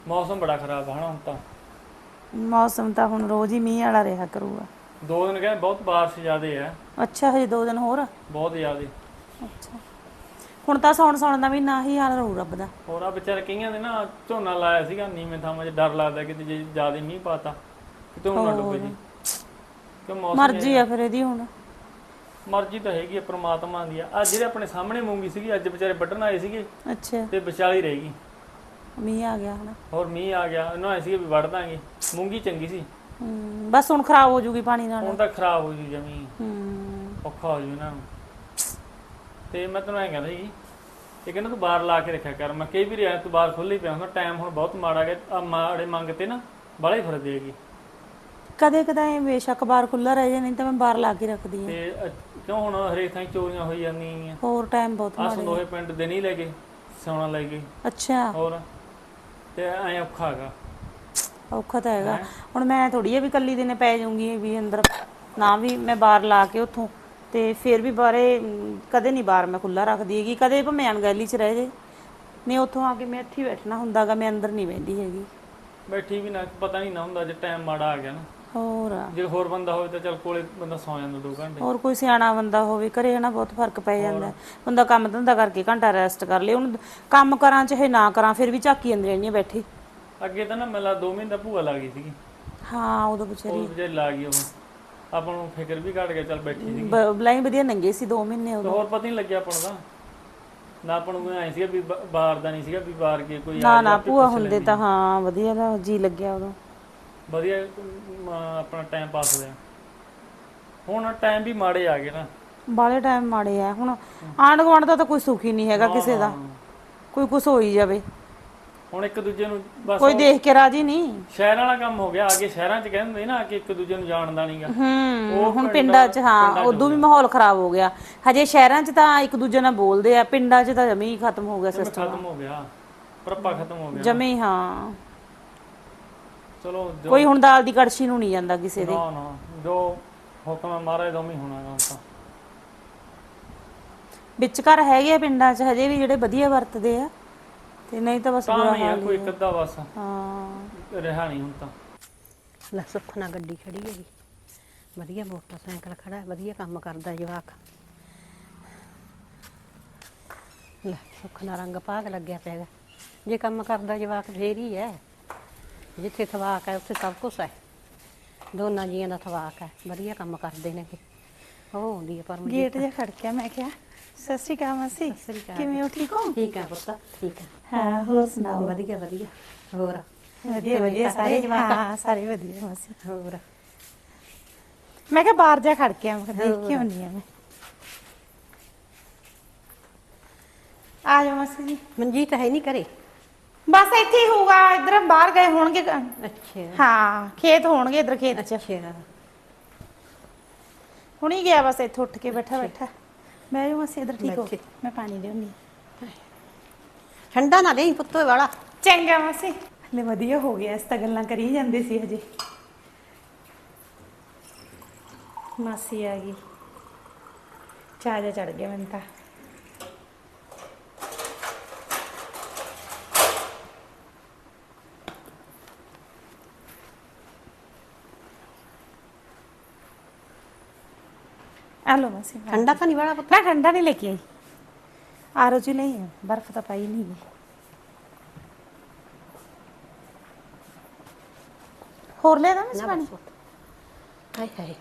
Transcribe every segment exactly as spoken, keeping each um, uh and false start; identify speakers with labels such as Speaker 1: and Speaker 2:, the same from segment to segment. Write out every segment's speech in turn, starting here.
Speaker 1: ਮੌਸਮ ਬੜਾ ਖਰਾਬ ਹੈ ਹਨਾ ਹੁਣ ਤਾਂ।
Speaker 2: ਮੌਸਮ ਤਾਂ ਹੁਣ ਰੋਜ਼ ਹੀ ਮੀਂਹ ਵਾਲਾ ਰਿਹਾ ਕਰੂਗਾ।
Speaker 1: ਦੋ ਦਿਨ ਕਹਿੰਦੇ ਬਹੁਤ ਬਾਰਿਸ਼ ਜ਼ਿਆਦੇ ਹੈ।
Speaker 2: ਅੱਛਾ ਹਜੇ ਦੋ ਦਿਨ ਹੋਰ।
Speaker 1: ਬਹੁਤ ਜ਼ਿਆਦੇ।
Speaker 2: ਅੱਛਾ ਹੁਣ ਤਾਂ ਸੌਣ ਸੌਣ ਦਾ ਮਹੀਨਾ ਹੀ ਹਾਲ ਰਹੂ ਰੱਬ ਦਾ।
Speaker 1: ਹੋਰ ਆ ਵਿਚਾਰੇ ਕਈਆਂ ਦੇ ਨਾ ਝੋਨਾ ਲਾਇਆ ਸੀਗਾ ਨੀਵੇਂ ਥਾਵਾਂ 'ਚ, ਡਰ ਲੱਗਦਾ ਕਿਤੇ ਜੇ ਜ਼ਿਆਦਾ ਮੀਂਹ ਪਾਤਾ ਕਿਤੇ ਹੁਣ ਨਾ ਡੁੱਬ
Speaker 2: ਹੋਰ
Speaker 1: ਜੇ। ਕਿ ਮੌਸਮ
Speaker 2: ਮਰਜ਼ੀ
Speaker 1: ਇਹ
Speaker 2: ਆ ਫਿਰ ਇਹਦੀ ਹੁਣ।
Speaker 1: ਮਰਜ਼ੀ ਤਾਂ ਹੈਗੀ ਆ ਪ੍ਰਮਾਤਮਾ ਦੀ ਆ। ਅੱਜ ਜਿਹੜੇ ਆਪਣੇ ਸਾਹਮਣੇ ਮੂੰਗੀ ਸੀਗੀ ਅੱਜ ਵਿਚਾਰੇ ਵੱਢਣ ਆਏ ਸੀਗੇ
Speaker 2: ਅੱਛਾ
Speaker 1: ਤੇ ਵਿਚਾਲੀ ਰਹਿ ਗਈ।
Speaker 2: ਮੀਂਹ ਆ ਗਿਆ ਹਨਾ।
Speaker 1: ਹੋਰ ਮੀਂਹ ਆ ਗਿਆ, ਉਹਨਾਂ ਆਏ ਸੀਗੇ ਵੀ ਵੱਢ ਦਾਂਗੇ। ਮੂੰਗੀ ਚੰਗੀ ਸੀ।
Speaker 2: ਹੂੰ ਬਸ ਹੁਣ ਖਰਾਬ ਹੋ ਜੂਗੀ ਪਾਣੀ ਨਾਲ।
Speaker 1: ਹੁਣ ਤਾਂ ਖਰਾਬ ਹੋ ਜੂ ਜਮੀ,
Speaker 2: ਹੂੰ
Speaker 1: ਔਖਾ ਹੋ ਜੂ ਇਹਨਾਂ ਨੂੰ। ਤੇ ਮੈਂ ਤੈਨੂੰ ਐਂ ਕਹਿੰਦਾ ਸੀ ਇਹ ਕਹਿੰਦਾ ਤੂੰ ਬਾਹਰ ਲਾ ਕੇ ਰੱਖਿਆ ਕਰ। ਮੈਂ ਕਈ ਵਾਰੀ ਆਇਆ ਤੂੰ ਬਾਹਰ ਖੁੱਲ੍ਹ ਹੀ ਪਿਆ ਹੁੰਦਾ। ਟਾਈਮ ਹੁਣ ਬਹੁਤ ਮਾੜਾ ਗਿਆ ਆ, ਮਾੜੇ ਮੰਗ ਤੇ ਨਾ ਬਾਹਲਾ ਹੀ ਫਿਰਦੇ ਹੈਗੇ।
Speaker 2: ਕਦੇ ਕਦਾਏ ਬੇਸ਼ੱਕ ਬਾਹਰ ਖੁੱਲ੍ਹਾ ਰਹਿ ਜਾਏ, ਨਹੀਂ ਤਾਂ ਮੈਂ ਬਾਹਰ ਲਾ ਕੇ ਰੱਖਦੀ ਹਾਂ।
Speaker 1: ਤੇ ਅ- ਕਿਉਂ ਹੁਣ ਹਰੇਕ ਥਾਂ ਚੋਰੀਆਂ ਹੋਈ ਜਾਂਦੀਆਂ।
Speaker 2: ਹੋਰ ਟਾਈਮ ਬਹੁਤ
Speaker 1: ਆਹ
Speaker 2: ਮਾੜੇ
Speaker 1: ਸੰਦੋਹੇ ਪਿੰਡ ਦੇ ਨਹੀਂ ਲੈ ਗਏ, ਸੋਨਾ ਲੈ ਗਏ।
Speaker 2: ਅੱਛਾ
Speaker 1: ਹੋਰ ਤੇ ਐਂ ਔਖਾ ਹੈਗਾ।
Speaker 2: ਔਖਾ ਤਾਂ ਹੈਗਾ।
Speaker 1: ਹੈਂ?
Speaker 2: ਹੁਣ ਮੈਂ ਥੋੜੀ ਆ ਵੀ ਇਕੱਲੀ ਦਿਨੇ ਪੈ ਜਾਊਂਗੀ ਵੀ ਅੰਦਰ, ਨਾ ਵੀ ਮੈਂ ਬਾਹਰ ਲਾ ਕੇ ਉੱਥੋਂ ਤੇ ਫਿਰ ਵੀ ਬਾਹਰੇ ਅਮ, ਕਦੇ ਨਹੀਂ ਬਾਹਰ ਮੈਂ ਖੁੱਲ੍ਹਾ ਰੱਖਦੀ ਹੈਗੀ। ਕਦੇ ਭਾਵੇਂ ਅਣਗਹਿਲੀ 'ਚ ਰਹਿ ਜੇ, ਨਹੀਂ ਉੱਥੋਂ ਆ ਕੇ ਮੈਂ ਇੱਥੇ ਹੀ ਬੈਠਣਾ ਹੁੰਦਾ ਗਾ। ਮੈਂ ਅੰਦਰ ਨਹੀਂ ਬਹਿੰਦੀ ਹੈਗੀ।
Speaker 1: ਬੈਠੀ ਵੀ ਨਾ ਪਤਾ ਨਹੀਂ ਨਾ ਹੁੰਦਾ ਜੇ ਟਾਈਮ ਮਾੜਾ ਆ ਗਿਆ ਨਾ।
Speaker 2: ਹੋਰ
Speaker 1: ਜੇ ਹੋਰ ਬੰਦਾ ਹੋਵੇ ਤਾਂ ਚੱਲ ਕੋਲੇ ਬੰਦਾ ਸੌ ਜਾਂਦਾ ਦੋ ਘੰਟੇ।
Speaker 2: ਹੋਰ ਕੋਈ ਸਿਆਣਾ ਬੰਦਾ ਹੋਵੇ ਘਰੇ ਹਨਾ, ਬਹੁਤ ਫਰਕ ਪੈ ਜਾਂਦਾ। ਬੰਦਾ ਕੰਮ ਧੰਦਾ ਕਰਕੇ ਘੰਟਾ ਰੈਸਟ ਕਰ ਲੇ। ਹੁਣ ਕੰਮ ਕਰਾਂ ਚਾਹੇ ਨਾ ਕਰਾਂ ਫਿਰ ਵੀ ਝਾਕੀ ਜਾਂਦੀ ਰਹਿੰਦੀ ਆ ਬੈਠੀ।
Speaker 1: ਅੱਗੇ ਤਾਂ ਨਾ ਮੇਲਾ ਦੋ ਮਹੀਨੇ ਦਾ ਭੂਆ ਲੱਗ ਗਈ ਸੀਗੀ।
Speaker 2: ਹਾਂ ਉਦੋਂ ਵਿਚਾਰੀ
Speaker 1: ਉਹ ਵਿਚਾਰੀ ਲਾ ਗਈ। ਉਹ ਆਪਾਂ ਨੂੰ ਫਿਕਰ ਵੀ ਘਟ ਗਿਆ, ਚੱਲ ਬੈਠੀ ਸੀਗੀ।
Speaker 2: ਬਲਾਈ ਵਧੀਆ ਨੰਗੇ ਸੀ ਦੋ ਮਹੀਨੇ
Speaker 1: ਤੇ
Speaker 2: ਉਦੋਂ।
Speaker 1: ਹੋਰ ਪਤਾ ਨਹੀਂ ਲੱਗਿਆ ਆਪਾਂ ਨੂੰ ਤਾਂ ਨਾ। ਆਪਾਂ ਨੂੰ ਐਂ ਸੀਗਾ ਵੀ ਬ- ਬਾਹਰ ਦਾ ਨਹੀਂ ਸੀਗਾ ਵੀ ਬਾਹਰ ਕੇ ਕੋਈ
Speaker 2: ਨਾ
Speaker 1: ਆ
Speaker 2: ਨਾ
Speaker 1: ਜਾ
Speaker 2: ਭੂਆ ਹੁੰਦੇ ਤਾਂ ਹਾਂ ਵਧੀਆ ਦਾ ਜੀ ਲੱਗਿਆ ਉਦੋਂ।
Speaker 1: ਵਧੀਆ ਅਮ, ਆਪਣਾ ਟਾਈਮ ਪਾਸ ਹੋਇਆ। ਹੁਣ ਟਾਈਮ ਵੀ ਮਾੜੇ ਆ ਗਏ ਨਾ।
Speaker 2: ਬਾਲੇ ਟਾਈਮ ਮਾੜੇ ਆ ਹੁਣ। ਆਂਢ ਗੁਆਂਢ ਦਾ ਤਾਂ ਕੋਈ ਸੁੱਖ ਹੀ ਨਹੀਂ ਹੈਗਾ ਕਿਸੇ ਦਾ। ਕੋਈ ਕੁਛ ਹੋਈ ਜਾਵੇ
Speaker 1: ਹੁਣ ਇੱਕ ਦੂਜੇ ਨੂੰ ਬਸ
Speaker 2: ਕੋਈ ਦੇਖ ਕੇ ਰਾਜੀ ਨਹੀਂ।
Speaker 1: ਸ਼ਹਿਰਾਂ ਵਾਲਾ ਕੰਮ ਹੋ ਗਿਆ। ਅੱਗੇ ਸ਼ਹਿਰਾਂ 'ਚ ਕਹਿੰਦੇ ਨਾ ਕਿ ਇੱਕ ਦੂਜੇ ਨੂੰ ਜਾਣਦਾ ਨਹੀਂਗਾ।
Speaker 2: ਹੂੰ ਹੁਣ ਪਿੰਡਾਂ 'ਚ ਹਾਂ ਉਦੋਂ ਵੀ ਮਾਹੌਲ ਖਰਾਬ ਹੋ ਗਿਆ। ਹਜੇ ਸ਼ਹਿਰਾਂ 'ਚ ਤਾਂ ਇੱਕ ਦੂਜੇ ਨਾਲ ਬੋਲਦੇ ਆ, ਪਿੰਡਾਂ 'ਚ ਤਾਂ ਜਮੀ ਹੀ ਖਤਮ ਹੋ ਗਿਆ ਸਿਸਟਮ।
Speaker 1: ਖਤਮ ਹੋ ਗਿਆ, ਪਰਪਾ ਖਤਮ ਹੋ ਗਿਆ
Speaker 2: ਜਮੀ ਹਾਂ।
Speaker 1: ਚਲੋ ਜੋ
Speaker 2: ਕੋਈ ਹੁਣ ਦਾਲ ਦੀ ਕੜਛੀ ਨੂੰ ਨਹੀਂ ਜਾਂਦਾ ਕਿਸੇ ਦੇ।
Speaker 1: ਨਾ ਨਾ ਜੋ ਹੁਕਮ ਹੈ ਮਹਾਰਾਜ ਦਾ ਉਵੇਂ ਹੀ ਹੋਣਾ ਗਾ ਤਾਂ।
Speaker 2: ਵਿੱਚ ਘਰ ਹੈਗੇ ਆ ਪਿੰਡਾਂ 'ਚ ਹਜੇ ਵੀ ਜਿਹੜੇ ਵਧੀਆ ਵਰਤਦੇ ਆ, ਤੇ ਨਹੀਂ ਤਾਂ ਬਸ ਬੁਰਾ
Speaker 1: ਤਾਂ ਹੀ ਆ
Speaker 2: ਹਾਲ
Speaker 1: ਕੋਈ
Speaker 2: ਹੀ
Speaker 1: ਇੱਕ
Speaker 2: ਆ।
Speaker 1: ਅੱਧਾ ਬਸ
Speaker 2: ਹਾਂ
Speaker 1: ਰਿਹਾ ਨਹੀਂ ਹੁਣ ਤਾਂ।
Speaker 3: ਲੈ ਸੁੱਖ ਨਾਲ ਗੱਡੀ ਖੜੀ ਹੈਗੀ, ਵਧੀਆ ਮੋਟਰਸਾਈਕਲ ਖੜਾ ਹੈ, ਵਧੀਆ ਕੰਮ ਕਰਦਾ ਜਵਾਕ। ਲੈ ਸੁੱਖ ਨਾਲ ਰੰਗ ਭਾਗ ਲੱਗਿਆ ਪਿਆ ਹੈਗਾ। ਜੇ ਕੰਮ ਕਰਦਾ ਜਵਾਕ ਫੇਰ ਹੀ ਹੈ। ਜਿੱਥੇ ਥਵਾਕ ਹੈ ਉੱਥੇ ਸਭ ਕੁਛ ਹੈ। ਦੋਨਾਂ ਜੀਆਂ ਦਾ ਥਵਾਕ ਹੈ, ਵਧੀਆ ਕੰਮ ਕਰਦੇ ਨੇ। ਉਹ ਆਉਂਦੀ ਹੈ ਪਰਮਜੀਤ।
Speaker 2: ਗੇਟ ਜਿਹਾ ਖੜਕਿਆ, ਮੈਂ ਕਿਹਾ ਸਤਿ ਸ਼੍ਰੀ ਅਕਾਲ ਮਾਸੀ,
Speaker 3: ਸਤਿ ਸ੍ਰੀ ਅਕਾਲ।
Speaker 2: ਕਿਵੇਂ ਹੋ? ਠੀਕ ਹੋ?
Speaker 3: ਠੀਕ ਹੈ ਪੁੱਤ, ਠੀਕ ਹੈ।
Speaker 2: ਹਾਂ ਹੋਰ ਸੁਣਾਓ?
Speaker 3: ਵਧੀਆ ਵਧੀਆ। ਹੋਰ
Speaker 2: ਵਧੀਆ ਵਧੀਆ ਸਾਰੇ ਜਵਾਕ? ਹਾਂ ਸਾਰੇ ਵਧੀਆ ਮਾਸੀ।
Speaker 3: ਹੋਰ
Speaker 2: ਮੈਂ ਕਿਹਾ ਬਾਹਰ ਜਾ ਖੜਕਿਆ, ਮੈਂ ਕਿਹਾ ਦੇਖ ਕੇ ਆਉਂਦੀ ਆ ਮੈਂ। ਆ ਜਾਓ ਮਾਸੀ ਜੀ।
Speaker 3: ਮਨਜੀਤ ਹੈ ਨਹੀਂ ਘਰੇ?
Speaker 2: ਬਸ ਇੱਥੇ ਹੀ ਹੋਊਗਾ, ਇਧਰ ਬਾਹਰ ਗਏ ਹੋਣਗੇ।
Speaker 3: ਅੱਛਾ
Speaker 2: ਹਾਂ ਖੇਤ ਹੋਣਗੇ ਇਧਰ ਖੇਤ 'ਚ।
Speaker 3: ਅੱਛਾ
Speaker 2: ਹੁਣੀ ਗਿਆ ਬਸ, ਇੱਥੇ ਉੱਠ ਕੇ ਬੈਠਾ ਬੈਠਾ। ਮੈਂ ਜਾਊਂ ਮਾਸੀ ਇਧਰ, ਠੀਕ ਹੋ?
Speaker 3: ਬੈਠੇ।
Speaker 2: ਮੈਂ ਪਾਣੀ ਲਿਆਉਂਦੀ।
Speaker 3: ਠੰਡਾ ਨਾ ਦੇਈ ਪੁੱਤੋ ਵਾਲਾ।
Speaker 2: ਚੰਗਾ ਮਾਸੀ। ਹਲੇ ਵਧੀਆ ਹੋ ਗਿਆ, ਇਸ ਤਾਂ ਗੱਲਾਂ ਕਰੀ ਜਾਂਦੇ ਸੀ ਹਜੇ। ਮਾਸੀ ਆ ਗਈ, ਚਾਹ ਜਾ ਚੜ ਗਿਆ ਮੈਨੂੰ ਤਾਂ। ਆਲੋ ਮਾਸੀ।
Speaker 3: ਠੰਡਾ ਤਾਂ ਨਹੀਂ ਵਾਲਾ ਪੁੱਤ?
Speaker 2: ਨਾ ਠੰਡਾ ਨਹੀਂ ਲੈ ਕੇ ਆਈ, ਆਰੋ ਜੀ ਨਹੀਂ ਹੈ, ਬਰਫ਼ ਤਾਂ ਪਾਈ ਨਹੀਂ। ਹੋਰ ਲੈ ਦਾ ਮੈਂ ਪਾਣੀ?
Speaker 3: ਹਾਏ ਹਾਏ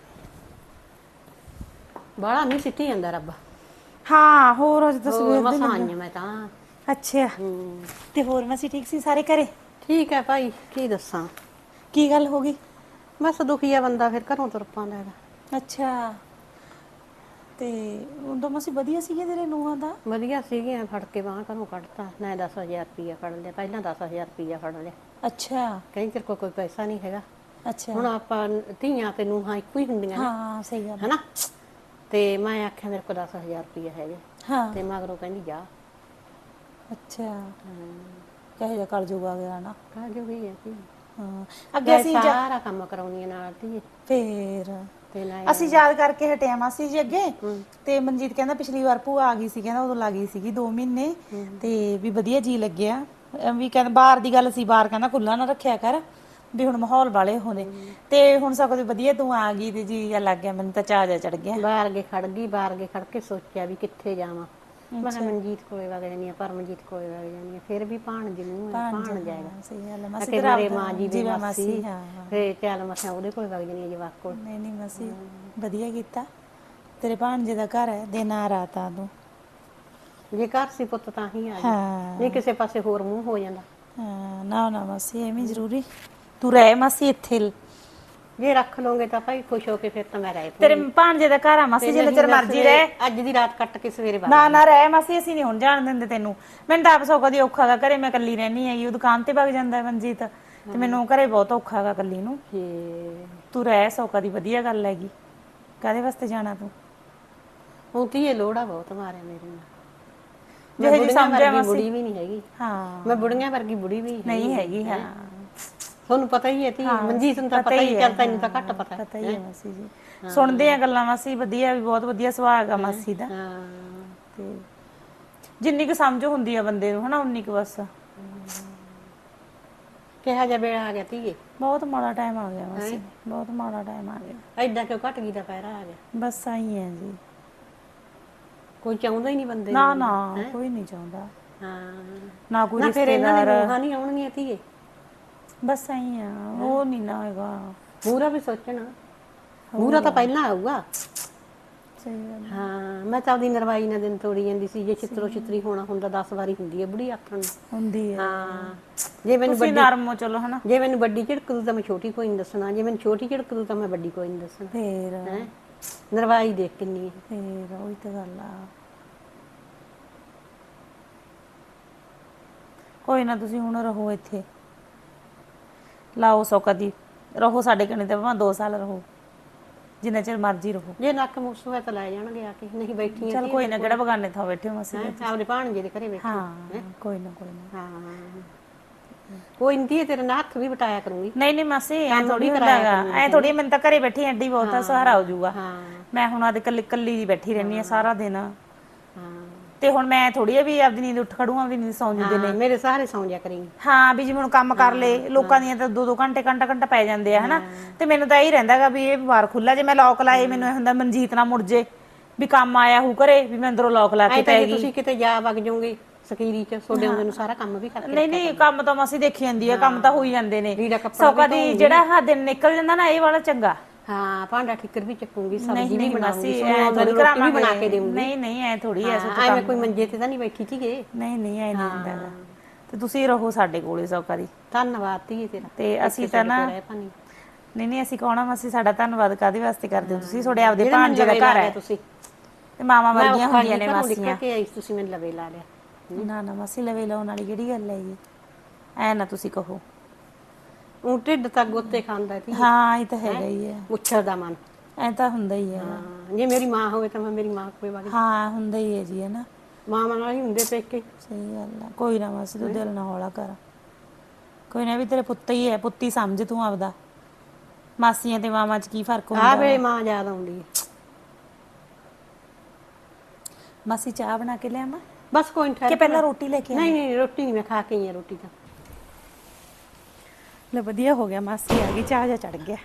Speaker 3: ਬਾਲਾ ਨਹੀਂ ਸਿੱਟੀ ਜਾਂਦਾ ਰੱਬ।
Speaker 2: ਹਾਂ ਹੋਰ ਅੱਜ ਤਾਂ ਸਵੇਰ ਦੇ
Speaker 3: ਮਸਾਂ ਆਈ ਹਾਂ ਮੈਂ ਤਾਂ।
Speaker 2: ਅੱਛਾ
Speaker 3: ਹੂੰ
Speaker 2: ਤੇ ਹੋਰ ਮਾਸੀ ਠੀਕ ਸੀ ਸਾਰੇ ਘਰੇ?
Speaker 3: ਠੀਕ ਹੈ ਭਾਈ, ਕੀ ਦੱਸਾਂ।
Speaker 2: ਕੀ ਗੱਲ ਹੋ ਗਈ?
Speaker 3: ਬਸ ਦੁਖੀ ਆ ਬੰਦਾ ਫਿਰ ਘਰੋਂ ਤੁਰ ਪਾਉਂਦਾ ਹੈਗਾ।
Speaker 2: ਅੱਛਾ ਤੇ ਉਦੋਂ ਮਾਸੀ ਵਧੀਆ ਸੀਗੇ ਤੇਰੇ ਨੂੰਹਾਂ ਦਾ?
Speaker 3: ਵਧੀਆ ਸੀਗੀਆਂ, ਫੜ ਕੇ ਬਾਂਹ ਘਰੋਂ ਕੱਢਤਾ ਨਾ। ਦਸ ਹਜ਼ਾਰ ਰੁਪਈਆ ਫੜ ਲਿਆ ਪਹਿਲਾਂ, ਦਸ ਹਜ਼ਾਰ ਰੁਪਈਆ ਫੜ ਲਿਆ।
Speaker 2: ਅੱਛਾ
Speaker 3: ਕਹਿੰਦੀ ਤੇਰੇ ਕੋਲ ਕੋਈ ਪੈਸਾ ਨਹੀਂ ਹੈਗਾ।
Speaker 2: ਅੱਛਾ
Speaker 3: ਹੁਣ ਆਪਾਂ ਧੀਆਂ ਤੇ ਨੂੰਹਾਂ ਇੱਕੋ ਹੀ ਹੁੰਦੀਆਂ ਨੇ,
Speaker 2: ਹਾਂ ਸਹੀ ਗੱਲ
Speaker 3: ਹਨਾ। ਤੇ ਮੈਂ ਆਖਿਆ ਮੇਰੇ ਕੋਲ ਦਸ ਹਜ਼ਾਰ ਰੁਪਈਆ ਹੈਗੇ।
Speaker 2: ਹਾਂ
Speaker 3: ਤੇ ਮਗਰੋਂ ਕਹਿੰਦੀ ਜਾ।
Speaker 2: ਅੱਛਾ ਕਹੇ ਜਾ ਕਰ ਜੂਗਾ ਗਿਆ ਨਾ।
Speaker 3: ਕਾ ਜੋ ਵੀ ਹੈ ਕੀ
Speaker 2: ਹਾਂ ਅੱਗੇ ਅਸੀਂ ਜਾ
Speaker 3: ਸਾਰਾ ਕੰਮ ਕਰਾਉਣੀ ਨਾਲ ਧੀਏ।
Speaker 2: ਫੇਰ
Speaker 3: ਤੇ ਨਾ
Speaker 2: ਅਸੀਂ ਯਾਦ ਕਰਕੇ ਹਟਿਆ ਮਾਸੀ ਜੀ ਅੱਗੇ। ਤੇ ਮਨਜੀਤ ਕਹਿੰਦਾ ਪਿਛਲੀ ਵਾਰ ਭੂਆ ਆ ਗਈ ਸੀ, ਕਹਿੰਦਾ ਉਦੋਂ ਲੱਗ ਗਈ ਸੀਗੀ ਦੋ ਮਹੀਨੇ ਤੇ ਵੀ ਵਧੀਆ ਜੀ ਲੱਗਿਆ। ਅਹ ਵੀ ਕਹਿੰਦਾ ਬਾਹਰ ਦੀ ਗੱਲ ਸੀ, ਬਾਹਰ ਕਹਿੰਦਾ ਖੁੱਲਾ ਨਾ ਰੱਖਿਆ ਕਰ ਵੀ ਹੁਣ ਮਾਹੌਲ ਵਾਲੇ ਹੋਣੇ। ਤੇ ਹੁਣ ਸਗੋਂ ਦੀ ਵਧੀਆ ਤੂੰ ਆ ਗਈ ਤੇ ਜੀ ਲੱਗ ਗਿਆ, ਮੈਨੂੰ ਤਾਂ ਚਾਅ ਜਾ ਚੜ ਗਿਆ।
Speaker 3: ਬਾਹਰ ਗੇ ਖੜ ਗਈ, ਬਾਹਰ ਗੇ ਖੜ ਕੇ ਸੋਚਿਆ ਵੀ ਕਿੱਥੇ ਜਾਵਾਂ। ਮੈਂ ਕਿਹਾ ਮਨਜੀਤ ਕੋਲੇ ਵਗ ਜਾਨੀ ਆ, ਪਰਮਜੀਤ ਕੋਲੇ ਵਗ ਜਾਨੀ ਆ, ਫਿਰ ਵੀ ਭਾਣ ਜੀ ਨੂੰ ਭਾਣ ਜਾਏਗਾ।
Speaker 2: ਸਹੀ ਗੱਲ ਹੈ
Speaker 3: ਮੈਂ
Speaker 2: ਮਾਸੀ,
Speaker 3: ਕਿ
Speaker 2: ਤੇਰਾ
Speaker 3: ਮੇਰੇ ਮਾਂ ਜੀ ਦੀ ਮਾਸੀ,
Speaker 2: ਹਾਂ
Speaker 3: ਫੇਰ ਚੱਲ ਮੈਂ ਕਿਹਾ ਉਹਦੇ ਕੋਲ ਵਗ ਜਾਨੀ ਆ ਜਵਾਕ ਕੋਲ।
Speaker 2: ਨਹੀਂ ਨਹੀਂ ਮਾਸੀ ਵਧੀਆ ਕੀਤਾ, ਤੇਰੇ ਭਾਣਜੇ ਦਾ ਘਰ ਹੈ, ਦਿਨ ਆ ਰਾਤ ਆ ਤੂੰ।
Speaker 3: ਜੇ ਘਰ ਸੀ ਪੁੱਤ ਤਾਂ ਹੀ ਆ ਜਾ,
Speaker 2: ਹਾਂ
Speaker 3: ਨਹੀਂ ਕਿਸੇ ਪਾਸੇ ਹੋਰ ਮੂੰਹ ਹੋ ਜਾਂਦਾ।
Speaker 2: ਹਾਂ ਨਾ ਨਾ ਮਾਸੀ ਐਵੇਂ ਜ਼ਰੂਰੀ ਤੂੰ ਰਹਿ ਮਾਸੀ ਇੱਥੇ।
Speaker 3: ਜੇ ਰੱਖ ਲਓਗੇ ਤਾਂ ਭਾਈ ਖੁਸ਼ ਹੋ ਕੇ ਫਿਰ ਤਾਂ ਮੈਂ ਰਹਿ
Speaker 2: ਤੇਰੇ ਭਾਣਜੇ ਦਾ ਘਰ ਆ ਮਾਸੀ, ਜਿੰਨਾ ਚਿਰ ਮਰਜੀ ਰਹਿ।
Speaker 3: ਅੱਜ ਦੀ ਰਾਤ ਕੱਟ ਕੇ ਸਵੇਰੇ ਬਾਹਰ
Speaker 2: ਨਾ ਨਾ ਰਹਿ ਮਾਸੀ, ਅਸੀਂ ਨਹੀਂ ਹੁਣ ਜਾਣ ਦਿੰਦੇ ਤੈਨੂੰ। ਮੈਨੂੰ ਤਾਂ ਆਪ ਸੌ ਕਦੀ ਔਖਾ ਗਾ ਘਰੇ, ਮੈਂ ਇਕੱਲੀ ਰਹਿਣੀ ਹੈਗੀ, ਉਹ ਦੁਕਾਨ ਤੇ ਵਗ ਜਾਂਦਾ ਮਨਜੀਤ, ਤੇ ਮੈਨੂੰ ਘਰੇ ਬਹੁਤ ਔਖਾ ਗਾ ਇਕੱਲੀ ਨੂੰ। ਤੂੰ ਰਹਿ ਸੌ ਕਦੀ, ਵਧੀਆ ਗੱਲ ਹੈਗੀ। ਕਾਹਦੇ ਵਾਸਤੇ ਜਾਣਾ ਤੂੰ?
Speaker 3: ਹੁਣ ਧੀਏ ਲੋੜਾ ਬਹੁਤ ਮਾਰਿਆ ਮੇਰੇ ਨਾਲ।
Speaker 2: ਜਿਹੇ ਜੀ ਸਮਝਿਆ ਮਾਸੀ,
Speaker 3: ਬੁੜੀ ਵੀ ਨਹੀਂ ਹੈਗੀ।
Speaker 2: ਹਾਂ
Speaker 3: ਮੈਂ ਬੁੜੀਆਂ ਵਰਗੀ ਬੁੜੀ ਵੀ
Speaker 2: ਨਹੀਂ ਹੈਗੀ। ਹਾਂ
Speaker 3: ਤੁਹਾਨੂੰ ਪਤਾ ਹੀ ਹੈ ਤੀ ਮਨਜੀਤ ਨੂੰ ਤਾਂ ਪਤਾ ਹੀ, ਚੱਲ ਤੈਨੂੰ ਤਾਂ ਘੱਟ ਪਤਾ
Speaker 2: ਪਤਾ ਹੀ ਹੈ ਮਾਸੀ ਜੀ। ਸੁਣਦੇ ਆ ਗੱਲਾਂ ਮਾਸੀ, ਵਧੀਆ ਵੀ ਬਹੁਤ ਵਧੀਆ ਸੁਭਾਅ ਆ ਮਾਸੀ ਦਾ।
Speaker 3: ਹਾਂ
Speaker 2: ਤੇ ਜਿੰਨੀ ਕੁ ਸਮਝ ਹੁੰਦੀ ਆ ਬੰਦੇ ਨੂੰ ਹਨਾ, ਉਨੀ ਕੁ ਬਸ।
Speaker 3: ਕਿਹਾ ਜਾ ਵੇਲਾ ਆ ਗਿਆ ਧੀਏ,
Speaker 2: ਬਹੁਤ ਮਾੜਾ ਟਾਈਮ ਆ ਗਿਆ ਮਾਸੀ, ਬਹੁਤ ਮਾੜਾ ਟਾਈਮ ਆ ਗਿਆ।
Speaker 3: ਐਦਾਂ ਕਿਉਂ ਘਟ ਗਈ ਦਾ ਪੈਰਾ ਆ ਗਿਆ?
Speaker 2: ਬਸ ਆਈ ਹੈ ਜੀ,
Speaker 3: ਕੋਈ ਚਾਹੁੰਦਾ ਹੀ ਨਹੀਂ ਬੰਦੇ
Speaker 2: ਨਾ ਨਾ ਕੋਈ ਨਹੀਂ ਚਾਹੁੰਦਾ।
Speaker 3: ਹਾਂ
Speaker 2: ਨਾ ਕੋਈ
Speaker 3: ਨਾ ਫਿਰ ਇਹਨਾਂ
Speaker 2: ਰਿਸ਼ਤੇਦਾਰ,
Speaker 3: ਦੀ ਮੂੰਹਾਂ ਨਹੀਂ ਆਉਣਗੀਆਂ ਧੀਏ।
Speaker 2: ਬਸ ਆਈ ਆ, ਉਹ ਨਹੀਂ ਨਾ ਹੈਗਾ।
Speaker 3: ਪੂਰਾ ਵੀ ਸੋਚਣਾ, ਪੂਰਾ ਤਾਂ ਪਹਿਲਾਂ ਆਊਗਾ।
Speaker 2: ਸਹੀ ਗੱਲ।
Speaker 3: ਹਾਂ ਮੈਂ ਤਾਂ ਆਪਦੀ ਨਰਵਾਈ ਨਾਲ ਦਿਨ ਤੋੜੀ ਜਾਂਦੀ ਸੀ। ਜੇ ਚਿੱਤਰੋ ਚਿੱਤਰੀ ਹੋਣਾ ਹੁੰਦਾ ਦਸ ਵਾਰੀ ਹੁੰਦੀ ਹੈ ਬੁੜੀ ਆਖਣ ਨੂੰ।
Speaker 2: ਹੁੰਦੀ ਹੈ।
Speaker 3: ਹਾਂ ਜੇ ਮੈਨੂੰ
Speaker 2: ਤੁਸੀਂ ਨਰਮ ਹੋ ਚਲੋ ਹਨਾ।
Speaker 3: ਜੇ ਮੈਨੂੰ ਵੱਡੀ ਝਿੜਕ ਦੂ ਤਾਂ ਮੈਂ ਛੋਟੀ ਕੋਈ ਨਹੀਂ ਦੱਸਣਾ, ਜੇ ਮੈਨੂੰ ਛੋਟੀ ਝਿੜਕ ਦੂ ਤਾਂ ਮੈਂ ਵੱਡੀ ਕੋਈ ਨਹੀਂ ਦੱਸਣਾ।
Speaker 2: ਫੇਰ
Speaker 3: ਹੈ ਨਰਵਾਈ ਦੇਖ ਕਿੰਨੀ ਹੈ।
Speaker 2: ਫੇਰ ਉਹੀ ਤਾਂ ਗੱਲ ਆ। ਕੋਈ ਨਾ ਤੁਸੀਂ ਹੁਣ ਰਹੋ ਇੱਥੇ, ਲਾਓ ਸੌ ਕਦੀ ਰਹੋ ਸਾਡੇ ਕਨੇ ਤੇ ਭਾਵੇਂ ਦੋ ਸਾਲ ਰਹੋ, ਜਿੰਨਾ ਚਿਰ ਮਰਜ਼ੀ ਰਹੋ।
Speaker 3: ਜੇ ਨੱਕ ਮੁੱਸ ਹੋਇਆ ਤਾਂ ਲੈ ਜਾਣਗੇ ਆ ਕੇ, ਨਹੀਂ ਬੈਠੀਆਂ
Speaker 2: ਚਲ ਕੋਈ ਨਾ, ਕਿਹੜਾ ਬਗਾਨੇ ਥਾਂ ਬੈਠੇ ਹੋ ਮਾਸੀ।
Speaker 3: ਆਪਣੇ ਭਾਣਜੇ ਦੇ ਘਰੇ ਬੈਠੀ।
Speaker 2: ਹਾਂ ਕੋਈ ਨਾ ਕੋਈ ਨਾ।
Speaker 3: ਹਾਂ ਕੋਈ ਨਹੀਂ, ਤੇਰੇ ਨਾਲ ਹੱਥ ਵੀ ਵਟਾਇਆ ਕਰੂੰਗੀ।
Speaker 2: ਨਹੀਂ ਨਹੀਂ ਮਾਸੀ ਐ ਥੋੜੀ ਹੁੰਦਾਗਾ, ਐ ਥੋੜੀ, ਮੈਨੂੰ ਤਾਂ ਘਰੇ ਬੈਠੀ ਐਡੀ ਬਹੁਤ ਆ, ਸਹਾਰਾ ਹੋ ਜਾਊਗਾ। ਮੈਂ ਹੁਣ ਆਦੇ ਕੱਲੀ ਕੱਲੀ ਦੀ ਬੈਠੀ ਰਹਿਣੀ ਆ ਸਾਰਾ ਦਿਨ।
Speaker 3: ਹਾਂ
Speaker 2: ਤੇ ਹੁਣ ਮੈਂ ਥੋੜੀ ਆ ਵੀ ਆਪਦੀ ਨੀਂਦ ਉੱਠ ਖੜੂਆਂ ਵੀ ਨਹੀਂ ਸੌਂ ਜੂਦੇ ਨੇ।
Speaker 3: ਮੇਰੇ ਸਾਰੇ ਸੌਂ ਜਾ ਕਰੀਂ।
Speaker 2: ਹਾਂ ਵੀ ਜਿਵੇਂ ਹੁਣ ਕੰਮ ਕਰ ਲਏ, ਲੋਕਾਂ ਦੀਆਂ ਤਾਂ ਦੋ ਦੋ ਘੰਟੇ ਘੰਟਾ ਘੰਟਾ ਪੈ ਜਾਂਦੇ ਆ ਹਨਾ। ਤੇ ਮੈਨੂੰ ਤਾਂ ਇਹੀ ਰਹਿੰਦਾਗਾ ਵੀ ਇਹ ਬਾਰ ਖੁੱਲਾ, ਜੇ ਮੈਂ ਲੌਕ ਲਾਏ ਮੈਨੂੰ ਇਹ ਹੁੰਦਾ ਮਨਜੀਤ ਨਾ ਮੁੜ ਜੇ, ਵੀ ਕੰਮ ਆਇਆ ਹੂ ਘਰੇ, ਵੀ ਮੈਂ ਅੰਦਰੋਂ ਲੌਕ ਲਾ ਕੇ ਪੈ ਗਈ।
Speaker 3: ਤੁਸੀਂ ਕਿਤੇ ਜਾ ਵਗ ਜਾਓਗੇ ਸਕੀਰੀ ਚ, ਤੁਹਾਡੇ ਆਉਂਦੇ ਨੂੰ ਸਾਰਾ ਕੰਮ ਵੀ ਕਰਕੇ।
Speaker 2: ਨਹੀਂ ਨਹੀਂ ਕੰਮ ਤਾਂ ਮਾਸੀ ਦੇਖੀ ਜਾਂਦੀ ਆ, ਕੰਮ ਤਾਂ ਹੋਈ ਜਾਂਦੇ ਨੇ।
Speaker 3: ਲੀੜਾ ਕੱਪੜਾ
Speaker 2: ਸੌ ਕਦੀ ਜਿਹੜਾ ਆਹ ਦਿਨ ਨਿਕਲ ਜਾਂਦਾ ਨਾ, ਇਹ ਵਾਲਾ ਚੰਗਾ।
Speaker 3: ਹਾਂ ਭਾਂਡਾ ਠਿੱਕਰ ਵੀ ਚੱਕੂਗੀ, ਸਬਜ਼ੀ
Speaker 2: ਨਹੀਂ
Speaker 3: ਵੀ
Speaker 2: ਨਹੀਂ
Speaker 3: ਬਣਾਉਂਗੀ,
Speaker 2: ਮਾਸੀ
Speaker 3: ਸੋਹਣਾ
Speaker 2: ਐ ਥੋੜੀ
Speaker 3: ਰੋਟੀ ਵੀ ਬਣਾ ਕੇ ਦੇਵਾਂਗੀ।
Speaker 2: ਨਹੀਂ ਨਹੀਂ ਐ ਥੋੜੀ ਐ ਸੁੱਤ
Speaker 3: ਐਵੇਂ ਕੋਈ ਮੰਜੇ ਤੇ ਤਾਂ ਨਹੀਂ ਬੈਠੀ ਸੀਗੇ।
Speaker 2: ਨਹੀਂ ਨਹੀਂ ਐ ਨਹੀਂ ਹੁੰਦਾਗਾ। ਤੇ ਤੁਸੀਂ ਰਹੋ ਸਾਡੇ ਕੋਲੇ ਸੌ ਕਦੀ।
Speaker 3: ਧੰਨਵਾਦ ਧੀਏ ਤੇਰਾ।
Speaker 2: ਤੇ ਅਸੀਂ ਤਾਂ ਨਾ ਨਹੀਂ ਨਹੀਂ ਅਸੀਂ ਕਹਣਾ ਮਾਸੀ, ਸਾਡਾ ਧੰਨਵਾਦ ਕਾਹਦੇ ਵਾਸਤੇ ਕਰਦੇ ਹੋ ਤੁਸੀਂ? ਤੁਹਾਡੇ ਆਪਦੇ ਭਾਂਜੇ ਦਾ ਘਰ ਹੈ
Speaker 3: ਤੁਸੀਂ,
Speaker 2: ਤੇ ਮਾਵਾਂ ਵਰਗੀਆਂ ਹੁੰਦੀਆਂ ਨੇ ਮਾਸੀਆਂ।
Speaker 3: ਕਿ ਆਈ ਤੁਸੀਂ ਮੈਨੂੰ ਲਵੇ ਲਾ ਲਿਆ।
Speaker 2: ਨਾ ਨਾ ਮਾਸੀ ਲਵੇ ਲਾਉਣ ਵਾਲੀ ਕਿਹੜੀ ਗੱਲ ਹੈ ਜੀ, ਐ ਨਾ ਤੁਸੀਂ ਕਹੋ।
Speaker 3: ਉਹ ਢਿੱਡ ਤੱਕ ਗੋਤੇ ਖਾਂਦਾ ਸੀ।
Speaker 2: ਹਾਂ ਇਹ ਤਾਂ ਹੈਗਾ ਹੀ ਹੈ,
Speaker 3: ਉੱਛਰ ਦਾ ਮਨ
Speaker 2: ਐ ਤਾਂ ਹੁੰਦਾ ਹੀ ਹੈ।
Speaker 3: ਹਾਂ ਜੇ ਮੇਰੀ ਮਾਂ ਹੋਵੇ ਤਾਂ ਮੈਂ ਮੇਰੀ ਮਾਂ ਕੋਲ ਵਗ।
Speaker 2: ਹਾਂ ਹੁੰਦਾ ਹੀ ਹੈ ਜੀ, ਹੈ ਨਾ।
Speaker 3: ਮਾਂ ਨਾਲ ਹੀ ਹੁੰਦੇ ਪੇਕੇ।
Speaker 2: ਸਹੀ ਗੱਲ ਆ। ਕੋਈ ਨਾ ਮਾਸੀ ਤੂੰ ਦਿਲ ਨਾ ਹੌਲਾ ਕਰ, ਕੋਈ ਨਾ, ਵੀ ਤੇਰੇ ਪੁੱਤ ਹੀ ਹੈ, ਪੁੱਤੀ ਸਮਝ ਤੂੰ ਆਪਦਾ। ਮਾਸੀਆਂ ਤੇ ਮਾਵਾਂ 'ਚ ਕੀ ਫਰਕ ਹੁੰਦਾ?
Speaker 3: ਆ ਵੇ ਮਾਂ ਯਾਦ ਆਉਂਦੀ ਹੈ।
Speaker 2: ਮਾਸੀ ਚਾਹ ਬਣਾ ਕੇ ਲਿਆਵਾਂ?
Speaker 3: ਬਸ ਕੋਈ ਨਹੀਂ,
Speaker 2: ਕਿ ਪਹਿਲਾਂ ਰੋਟੀ ਲੈ ਕੇ?
Speaker 3: ਨਹੀਂ ਨਹੀਂ ਰੋਟੀ ਨਹੀਂ, ਮੈਂ ਖਾ ਕੇ ਆਈ ਆ ਰੋਟੀ ਤਾਂ।
Speaker 2: ਲੈ ਵਧੀਆ ਹੋ ਗਿਆ, ਮਾਸੀ ਆ ਗਈ, ਚਾਹ ਜਾ ਚੜ ਗਿਆ।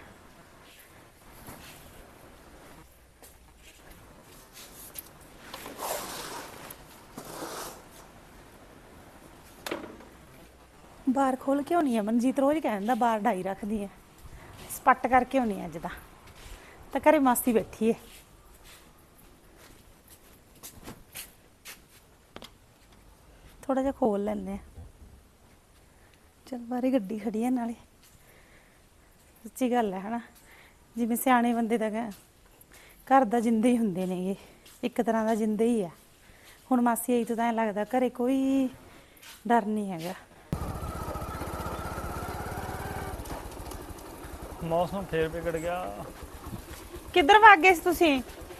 Speaker 2: ਬਾਹਰ ਖੋਲ ਕੇ ਹੋਣੀ ਆ, ਮਨਜੀਤ ਰੋਜ਼ ਕਹਿੰਦਾ ਬਾਹਰ ਢਾਈ ਰੱਖਦੀ ਆ, ਸਪੱਟ ਕਰਕੇ ਹੋਣੀ ਅੱਜ ਦਾ। ਤਾਂ ਘਰੇ ਮਾਸੀ ਬੈਠੀ ਹੈ। ਥੋੜਾ ਜਿਹਾ ਖੋਲ ਲੈਂਦੇ ਆ। ਚਲ ਬਾਹਰ ਗੱਡੀ ਖੜੀ ਹੈ ਨਾਲੇ। ਸੱਚੀ ਗੱਲ ਹੈ ਹਨਾ, ਜਿਵੇਂ ਸਿਆਣੇ ਬੰਦੇ ਦਾ ਘਰ ਦਾ ਜਿੰਦੇ ਹੀ ਹੁੰਦੇ ਨੇ, ਇਹ ਇੱਕ ਤਰ੍ਹਾਂ ਦਾ ਜਿੰਦੇ ਹੀ ਆ। ਹੁਣ ਮਾਸੀ ਆਈ ਤੋਂ ਤਾਂ ਐਂ ਲੱਗਦਾ ਘਰੇ ਕੋਈ ਡਰ ਨਹੀਂ ਹੈਗਾ।
Speaker 1: ਮੌਸਮ ਫੇਰ ਵਿਗੜ ਗਿਆ।
Speaker 2: ਕਿੱਧਰ ਭੱਗ ਗਏ ਸੀ ਤੁਸੀਂ?